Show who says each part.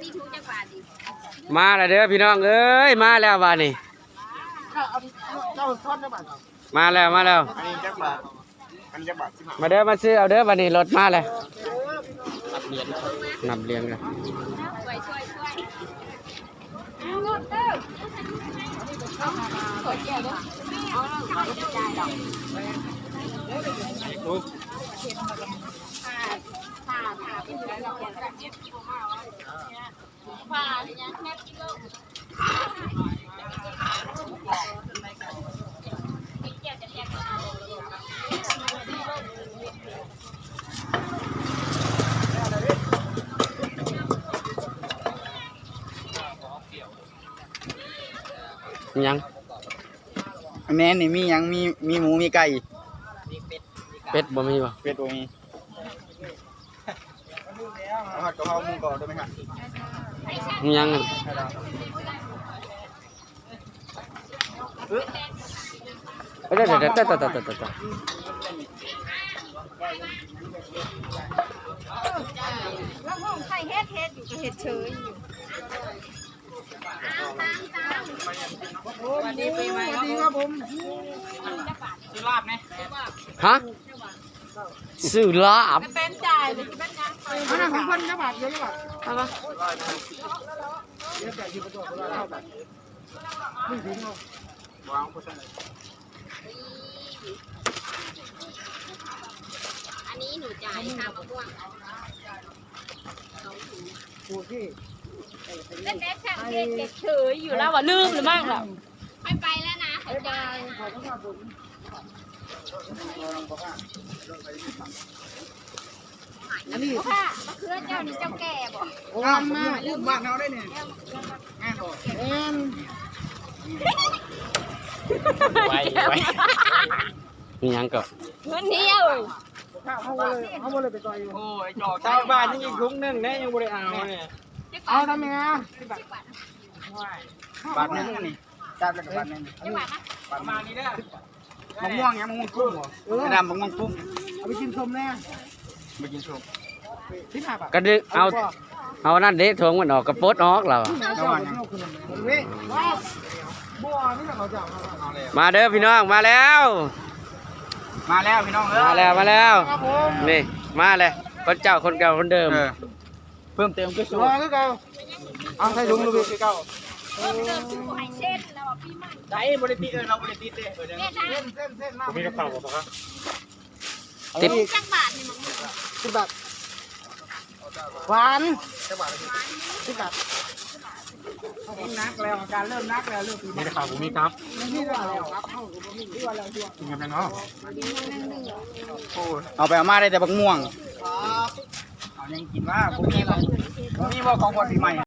Speaker 1: มาแล้วเด้อพี่น้องเอ้ยมาแล้วบ้านนี้มาแล้ว
Speaker 2: อันนี้จักบาท
Speaker 1: มาเด้อมาซื้อเอาเด้อบ้านนี้รถมาเลยนับเหรียญกันยัง
Speaker 2: แม่นี่มียังมีหมูมีไก่
Speaker 1: เป็ดบ่มีบ่
Speaker 2: เป็ดบ่มีเอาผัดกะเพราหมูกรอบได้ไหมครับ
Speaker 1: ยังเดี๋ยว
Speaker 3: แล้วห้องใครเฮ็ดอยู่ก็เฮ็ดเฉยอยู่วันนี้ปีใหม่ครับผมซื้อลาบไหม
Speaker 1: ฮะซื้อลาบ
Speaker 3: เป็นจ่ายหรือเป็นยังอันนั้นของคนนะบาทเยอะบาทเอาปะอันนี้หนูจ่ายค่ามะม่วงเล่นแอคชั่นเฉยอยู่แล้วว่าลืมหรือมั่งล่ะไม่ไปแล้วนะบ๊ายบายขอบคุณครับผมอันนี้ค่ะมะเขือเจ้านี่เจ้าแก่บ่
Speaker 2: งามมากบ้านเราได้เนี่ยงานบ่
Speaker 1: ไว้มียังก็
Speaker 3: เงินเดียว
Speaker 2: เขาบ่เลยไปต่อยอยู่
Speaker 1: โอ้ยจอกชาวบ้านยังอีกถุงนึงแน่ยังบ่ได้เอาเนี่ย
Speaker 2: เอาทำยังไงบาทนึงนี่จับแล้วก็บาทนึงประมาณนี้เด้อมะม่วงยังมะม่วงกุ้งไม่ดำมะม่วงกุ้งเอาไปกินชมแน่ไปกินชม
Speaker 1: ก็ดึกเอานั่นเด็ทงมันออกกระปดออกเรามาเด้อพี่น้องมาแล้ว
Speaker 2: พี่น้อง
Speaker 1: มาแล้วนี่มาเลยคนเจ้าคนเก่าคนเดิม
Speaker 2: เพิ่มเติมก็สูงเอาใส่ถุงลูกพี่เก่า
Speaker 3: เพิ่มเติมคือหอยเส้นแล้วพี่มัน
Speaker 2: ได้บริติเราบริติเลยเส้นมาก
Speaker 4: มีกระเป๋าป่ะครับ
Speaker 1: ติด
Speaker 3: จักบาทนี่มึง
Speaker 2: 10 บาทหวาน10 บาท10 บาทนักแล้วการเริ่มนักแล้วเริ่ม
Speaker 4: มีกระเป๋าผมมีครับ
Speaker 2: นี่ว่าแล้วครับ
Speaker 4: กินกันเนาะ
Speaker 2: เอาไปเอามาได้แต่บักม่วงเอายังกินว่าพวกนี้บ่ของบดปีใหม่